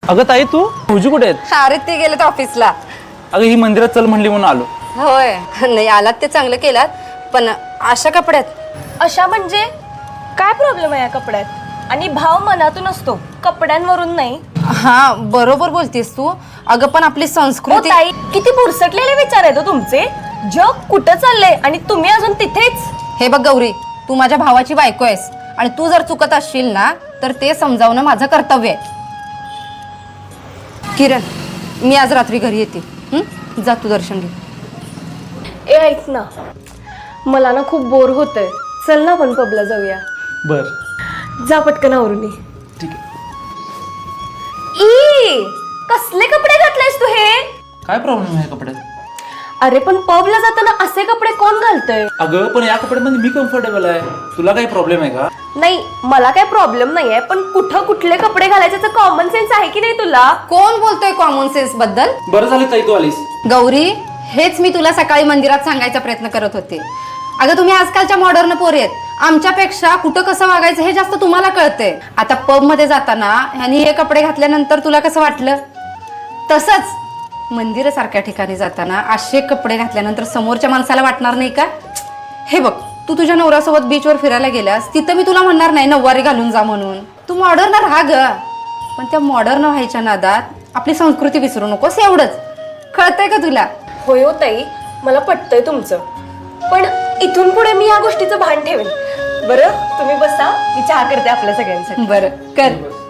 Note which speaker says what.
Speaker 1: अगं ताई तू भाऊजी कुठे आहेत?
Speaker 2: अरे ते गेलेत ऑफिसला.
Speaker 1: अगं ही मंदिरात चल म्हणली म्हणून आलो.
Speaker 2: होय नाही आलात ते चांगलं केलात, पण अशा कपड्यात.
Speaker 3: अशा म्हणजे काय प्रॉब्लेम आहे या कपड्यात? आणि भाव मनातून असतो, कपड्यांवरून नाही.
Speaker 2: हा बरोबर बोलतेस तू. अगं पण आपली
Speaker 3: ओ
Speaker 2: संस्कृती.
Speaker 3: ताई, किती बुरसटलेले विचार आहेत हो तुमचे. जग कुठं चाललंय आणि तुम्ही अजून तिथेच.
Speaker 2: हे बघ गौरी, तू माझ्या भावाची बायको आहेस आणि तू जर चुकत असशील ना तर ते समजावणं माझं कर्तव्य आहे. किरण, मी आज रात्री घरी येते. जा तू दर्शन घे.
Speaker 3: ए ऐक ना, मला ना खूप बोर होतंय. चल ना आपण पबला जाऊया.
Speaker 1: बर
Speaker 3: जा पटकन आवरून ये.
Speaker 1: ठीक आहे.
Speaker 3: ई कसले कपडे घातलेस तू हे?
Speaker 1: काय प्रॉब्लेम आहे कपड्यात?
Speaker 3: अरे पण पबला जाताना असे कपडे कोण घालतंय?
Speaker 1: अगं पण या कपड्यामध्ये मी कम्फर्टेबल आहे. तुला काही प्रॉब्लेम आहे का?
Speaker 3: नाही, मला काही प्रॉब्लेम नाहीये, पण कुठं कुठले कपडे घालायचे कॉमन सेन्स आहे की नाही तुला?
Speaker 2: कोण बोलतोय कॉमन सेन्स बद्दल?
Speaker 1: बरं झालं ताई तू आलीस.
Speaker 2: गौरी, हेच मी तुला सकाळी मंदिरात सांगायचा प्रयत्न करत होते. अगं तुम्ही आजकालच्या मॉडर्न पोरी आहेत. आमच्यापेक्षा कुठं कसं वागायचं हे जास्त तुम्हाला कळतंय. आता पब मध्ये जाताना ह्यांनी हे कपडे घातल्यानंतर तुला कसं वाटलं? तसंच मंदिरासारख्या ठिकाणी जाताना असे कपडे घातल्यानंतर समोरच्या माणसाला वाटणार नाही का? हे बघ, तू तुझ्या नवऱ्यासोबत बीचवर फिरायला गेल्यास तिथं मी तुला म्हणणार नाही नऊवारी घालून जा म्हणून. तू मॉडर्न राहा ग, पण त्या मॉडर्न व्हायच्या नादात आपली संस्कृती विसरू नकोस. एवढंच कळतंय का तुला?
Speaker 3: होय हो ताई, मला पटतंय तुमचं, पण इथून पुढे मी या गोष्टीचं भान ठेवेन. बरं तुम्ही बसा, मी चहा करते आपल्या सगळ्यांसाठी.
Speaker 2: बरं कर.